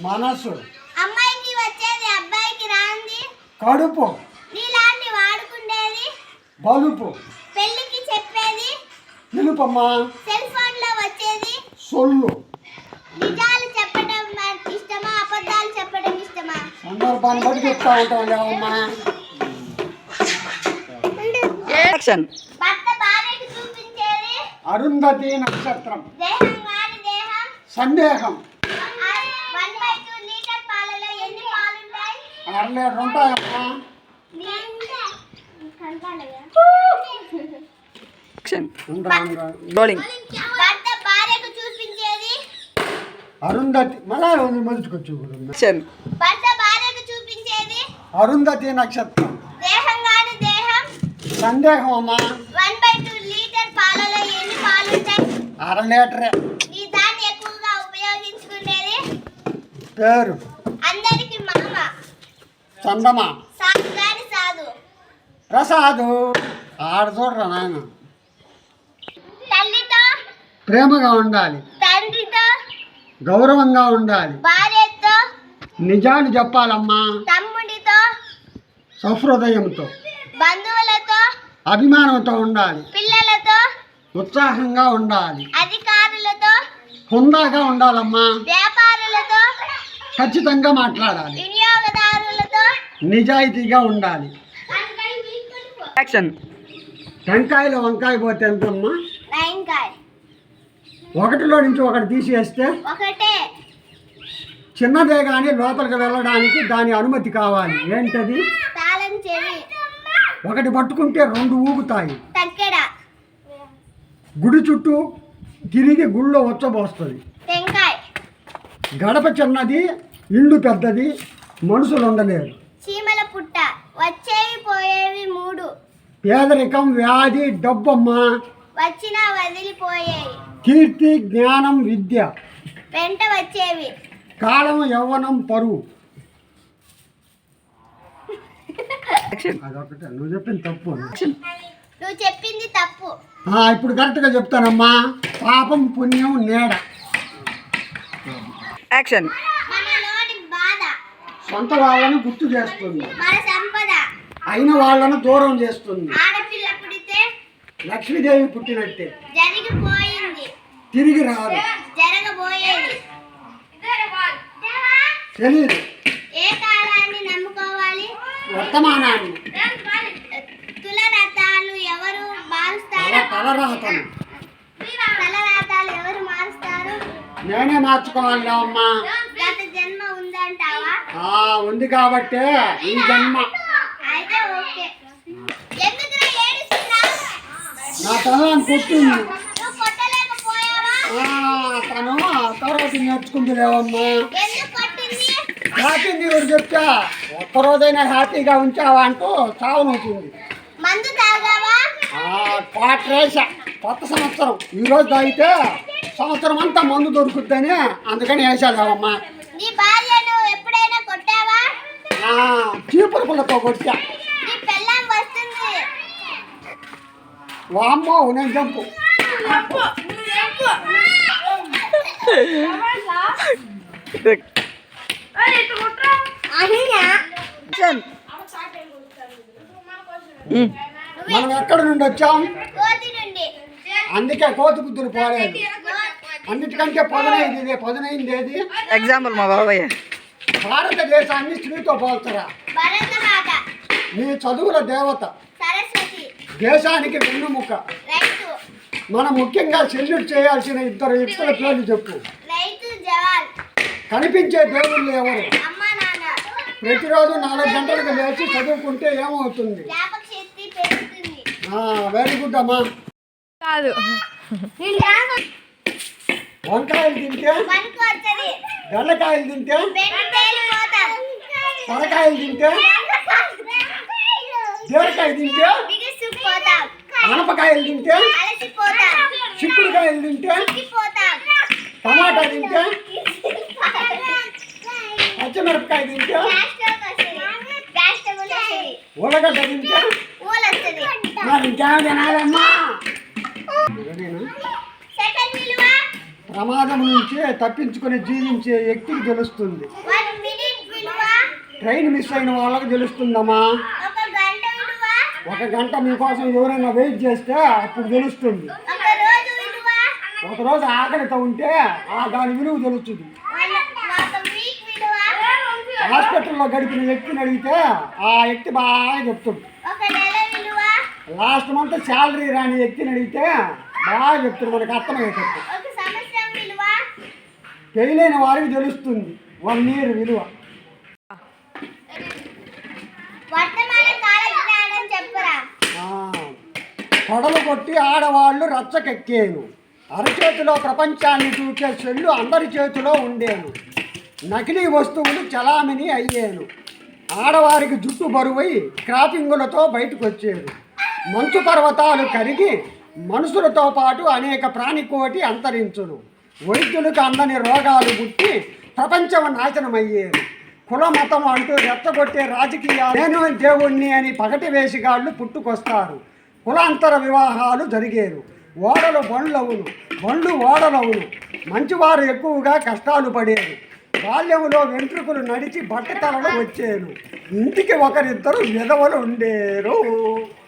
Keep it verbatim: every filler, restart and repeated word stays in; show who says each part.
Speaker 1: మనసు.
Speaker 2: అమ్మాయికి వచ్చేది అబ్బాయికి రాంది
Speaker 1: కడుపు.
Speaker 2: నీలాంటి వాడుకుండేది
Speaker 1: బలుపు.
Speaker 2: పెళ్ళికి చెప్పేది
Speaker 1: నిలుపమ్మా.
Speaker 2: సెల్ ఫోన్ లో వచ్చేది
Speaker 1: సొల్లు.
Speaker 2: నిజాలు చెప్పడం ఇష్టమా అబద్ధాలు చెప్పడం ఇష్టమా?
Speaker 1: సందర్భాన్ని బట్టి చెప్తా ఉంటాం లేవమ్మా.
Speaker 2: భర్త భార్యకి చూపించేది
Speaker 1: అరుంధతి నక్షత్రం.
Speaker 2: దేహం కాని దేహం
Speaker 1: సందేహం.
Speaker 2: వన్ బై టూ లీటర్ పాలలో ఎన్ని పాలుంటాయి?
Speaker 1: అర లీటర్ ఉంటాయమ్మా.
Speaker 2: భర్త భార్యకు చూపించేది
Speaker 1: అరుంధతి. మళ్ళా మొదటికొచ్చి
Speaker 2: భర్త భార్యకు చూపించేది
Speaker 1: అరుంధతి నక్షత్రం.
Speaker 2: దేహం కాని దేహం
Speaker 1: సందేహం అమ్మా.
Speaker 2: వన్ బై టూ లీటర్ పాలలో ఎన్ని పాలుంటాయి?
Speaker 1: అర లీటరే.
Speaker 2: ఈ దాన్ని ఎక్కువగా ఉపయోగించుకునేది
Speaker 1: పేరు.
Speaker 2: అందరికి మామ
Speaker 1: చందమా.
Speaker 2: సాధు గాని సాధు
Speaker 1: ప్రసాదు. ఆడ చూడరా నాయన.
Speaker 2: తల్లితో
Speaker 1: ప్రేమగా ఉండాలి.
Speaker 2: తండ్రితో
Speaker 1: గౌరవంగా ఉండాలి.
Speaker 2: భార్యతో
Speaker 1: నిజాలు చెప్పాలమ్మా.
Speaker 2: తమ్ముడితో
Speaker 1: సహృదయంతో
Speaker 2: బంధువులతో
Speaker 1: అభిమానంతో ఉండాలి.
Speaker 2: పిల్లలతో
Speaker 1: ఉత్సాహంగా ఉండాలి.
Speaker 2: అధికారులతో
Speaker 1: హుందాగా ఉండాలమ్మా.
Speaker 2: వ్యాపారులతో
Speaker 1: ఖచ్చితంగా మాట్లాడాలి.
Speaker 2: వినియోగదారులతో
Speaker 1: నిజాయితీగా ఉండాలి. టెంకాయలో వంకాయ పోతే ఎంతమ్మా?
Speaker 2: టెంకాయ
Speaker 1: ఒకటిలో నుంచి ఒకటి తీసేస్తే
Speaker 2: ఒకటే.
Speaker 1: చిన్నదే కానీ లోపలికి వెళ్ళడానికి దాని అనుమతి కావాలి. ఏంటది?
Speaker 2: తాళం చెవి.
Speaker 1: ఒకటి పట్టుకుంటే రెండు ఊగుతాయి.
Speaker 2: తక్కెడ.
Speaker 1: గుడి చుట్టూ తిరిగి గుళ్ళో వచ్చబోస్తుంది.
Speaker 2: టెంకాయ.
Speaker 1: గడప చిన్నది, ఇల్లు పెద్దది, మనుషులు ఉండలేరు.
Speaker 2: చీమల పుట్ట. వచ్చేవి పోయేవి మూడు.
Speaker 1: పేదరికం, వ్యాధి, డబ్బమ్మా.
Speaker 2: వచ్చినా వదిలిపోయేవి.
Speaker 1: కీర్తి, జ్ఞానం, విద్య.
Speaker 2: వెంట వచ్చేవి.
Speaker 1: కాలం, యవ్వనం, పరువు. అదొకటే. నువ్వు చెప్పింది తప్పు.
Speaker 2: నువ్వు చెప్పింది తప్పు.
Speaker 1: ఇప్పుడు కరెక్ట్గా చెప్తానమ్మా. పాపం, పుణ్యం, నీడ.
Speaker 3: యాక్షన్.
Speaker 2: మనలోని బాధ
Speaker 1: సొంత వాళ్ళను గుర్తు చేస్తుంది.
Speaker 2: మన సంపద.
Speaker 1: అయిన వాళ్ళను దూరం చేస్తుంది.
Speaker 2: ఆడపిల్ల పుడితే
Speaker 1: లక్ష్మీదేవి పుట్టినట్టే.
Speaker 2: జరిగిపోయింది.
Speaker 1: తిరిగి రాదు.
Speaker 2: జరగబోయేది
Speaker 1: తెలీదు.
Speaker 2: ఏ కాలాన్ని నమ్ముకోవాలి?
Speaker 1: వర్తమానాన్ని.
Speaker 2: తులరథాలు ఎవరు మారుస్తారు?
Speaker 1: తలరాతను
Speaker 2: తలరాతాలు ఎవరు మారుస్తారు?
Speaker 1: నేనే మార్చుకోవాలి అమ్మా.
Speaker 2: గత జన్మ ఉందంటావా?
Speaker 1: ఉంది కాబట్టే ఈ జన్మ.
Speaker 2: అయితే ఓకే. ఎందుకురా ఏడుస్తున్నావ్?
Speaker 1: నా తలని కొట్టింది.
Speaker 2: నువ్వు కొట్టలేకపోయావా?
Speaker 1: తను తర్వాత నేర్చుకుంది లేవమ్మా.
Speaker 2: ఎందుకు కొట్టింది?
Speaker 1: హ్యాపీంది ఎవరు చెప్తా. ఒక్కరోజైనా హ్యాపీగా ఉంచావా అంటూ చావనవుతుంది.
Speaker 2: మందు తాగావా?
Speaker 1: క్వార్టరేస. కొత్త సంవత్సరం ఈరోజు తాగితే సంవత్సరం అంతా మందు దొరుకుద్దని అందుకని వేసాలేవమ్మా.
Speaker 2: నీ భార్యను ఎప్పుడైనా కొట్టావా?
Speaker 1: చీపురు పుల్లతో కొట్టా.
Speaker 2: నీ పెళ్ళాం వస్తుంది.
Speaker 1: వామ్మో నేను చంపు. మనం ఎక్కడి నుండి వచ్చాం?
Speaker 2: కోతి నుండి.
Speaker 1: అందుకే కోతి బుద్ధులు పోలేదు. అన్నిటికంటే పదునైంది ఇదే. పదునైంది ఏది?
Speaker 3: ఎగ్జాంపుల్ మా బాబాయ్.
Speaker 1: భారతదేశాన్ని స్త్రీతో పోల్చరా.
Speaker 2: భరతమాత.
Speaker 1: నీ చదువుల దేవత.
Speaker 2: సరస్వతి.
Speaker 1: దేశానికి వెన్నుముక.
Speaker 2: రైతు.
Speaker 1: మనం ముఖ్యంగా సెల్యూట్ చేయాల్సిన ఇద్దరు వ్యక్తుల పేర్లు చెప్పు.
Speaker 2: రైతు, జవాన్.
Speaker 1: కనిపించే దేవుళ్ళు ఎవరు?
Speaker 2: అమ్మ, నాన్న.
Speaker 1: ప్రతిరోజు నాలుగు గంటలకు లేచి చదువుకుంటే ఏమవుతుంది?
Speaker 2: జ్ఞాపక శక్తి పెరుగుతుంది.
Speaker 1: వెరీ గుడ్ అమ్మా.
Speaker 3: కాదు.
Speaker 1: వంకాయలు తింటే
Speaker 2: పనికి వస్తది.
Speaker 1: బెండకాయలు తింటే
Speaker 2: బెండ తేలిపోతాం.
Speaker 1: సొరకాయలు తింటే బీరకాయ తింటే
Speaker 2: బిగుసుకుపోతాం.
Speaker 1: ఆనపకాయలు తింటే
Speaker 2: అలసిపోతాం.
Speaker 1: చిక్కుడుకాయలు తింటే
Speaker 2: చిక్కిపోతాం.
Speaker 1: టమాటా తింటే పచ్చిమిరపకాయ తింటే ఉల్లగడ్డ తింటే మరి ఇంకేమో తినాలమ్మా.
Speaker 2: సెకండ్ విలువ
Speaker 1: ప్రమాదం నుంచి తప్పించుకొని జీవించే వ్యక్తికి తెలుస్తుంది.
Speaker 2: వన్ మినిట్ విలువ
Speaker 1: ట్రైన్ మిస్ అయిన వాళ్ళకి తెలుస్తుందమ్మా.
Speaker 2: ఒక గంట విలువ
Speaker 1: ఒక గంట మీకోసం ఎవరైనా వెయిట్ చేస్తే అప్పుడు తెలుస్తుంది.
Speaker 2: ఒక రోజు విలువ
Speaker 1: ఒకరోజు ఆకలితో ఉంటే ఆ దాని విలువ తెలుస్తుంది.
Speaker 2: ఒక వీక్ విలువ
Speaker 1: హాస్పిటల్లో గడిపిన వ్యక్తిని అడిగితే ఆ వ్యక్తి బాగా చెప్తుంది.
Speaker 2: ఒక నెల విలువ
Speaker 1: లాస్ట్ మంత్ శాలరీ రాని వ్యక్తిని అడిగితే బాగా చెప్తుంది. మనకు అర్థమయ్యేటట్టు.
Speaker 2: ఒక సంవత్సరం విలువ
Speaker 1: పెళ్ళైన వారికి తెలుస్తుంది వన్ ఇయర్ విలువ.
Speaker 2: వర్తమాన కాల జ్ఞానం చెప్పురా.
Speaker 1: పొడలు కొట్టి ఆడవాళ్ళు రచ్చకెక్కేను. అరచేతిలో ప్రపంచాన్ని చూచే చెల్లు అందరి చేతిలో ఉండేను. నకిలీ వస్తువులు చలామణి అయ్యేను. ఆడవారికి జుట్టు బరువై క్రాపింగులతో బయటకు వచ్చేది. మంచు పర్వతాలు కరిగి మనుషులతో పాటు అనేక ప్రాణికోటి అంతరించును. వైద్యులకు అందని రోగాలు పుట్టి ప్రపంచం నాశనమయ్యేది. కుల మతం అంటూ రెచ్చగొట్టే రాజకీయాలు నేను దేవుణ్ణి అని పగటి వేసిగాళ్ళు పుట్టుకొస్తారు. కులాంతర వివాహాలు జరిగేను. ఓడలు బండ్లవును, బండ్లు ఓడలవును. మంచివారు ఎక్కువగా కష్టాలు పడేరు. బాల్యంలో వెంట్రుకలు నడిచి బట్టతలలో వచ్చేను. ఇంటికి ఒకరిద్దరు విధవలు ఉండేరు.